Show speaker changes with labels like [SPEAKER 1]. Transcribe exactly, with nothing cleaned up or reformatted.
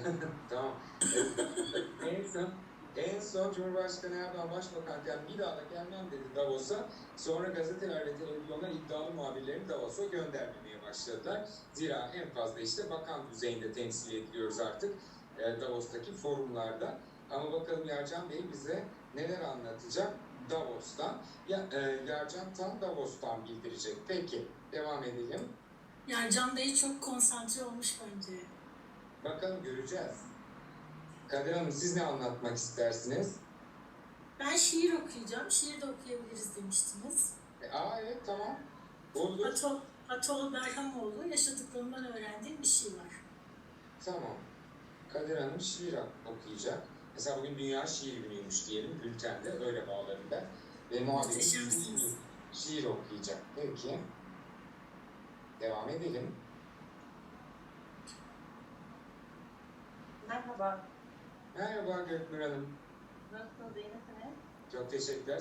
[SPEAKER 1] Tamam. en son, en son Cumhurbaşkanı Erdoğan başbakanken bir daha da gelmem dedi Davos'a. Sonra gazeteler ve televizyonlar iddialı muhabirlerini Davos'a göndermemeye başladılar. Zira en fazla işte bakan düzeyinde temsil ediliyoruz artık e, Davos'taki forumlarda. Ama bakalım Yarcan Bey bize neler anlatacak Davos'tan. Ya, e, Yarcan tam Davos'tan bildirecek. Peki, devam edelim.
[SPEAKER 2] Yarcan Bey çok konsantre olmuş bence.
[SPEAKER 1] Bakalım göreceğiz. Kadir Hanım siz ne anlatmak istersiniz?
[SPEAKER 2] Ben şiir okuyacağım. Şiir de okuyabiliriz demiştiniz.
[SPEAKER 1] E, aa evet tamam. Olur.
[SPEAKER 2] Atol, Atol Berhamoğlu yaşadıklarından öğrendiğim bir şey var.
[SPEAKER 1] Tamam. Kadir Hanım şiir okuyacak. Mesela bugün Dünya Şiir Günü'ymüş diyelim bültende öyle bağlarım ben. Ve muhabirimiz
[SPEAKER 2] Muhteşemsiniz.
[SPEAKER 1] şiir okuyacak. Peki. Devam edelim.
[SPEAKER 3] Merhaba.
[SPEAKER 1] Merhaba Göknur Hanım.
[SPEAKER 3] Nasılsınız? İyi misiniz?
[SPEAKER 1] Çok teşekkürler.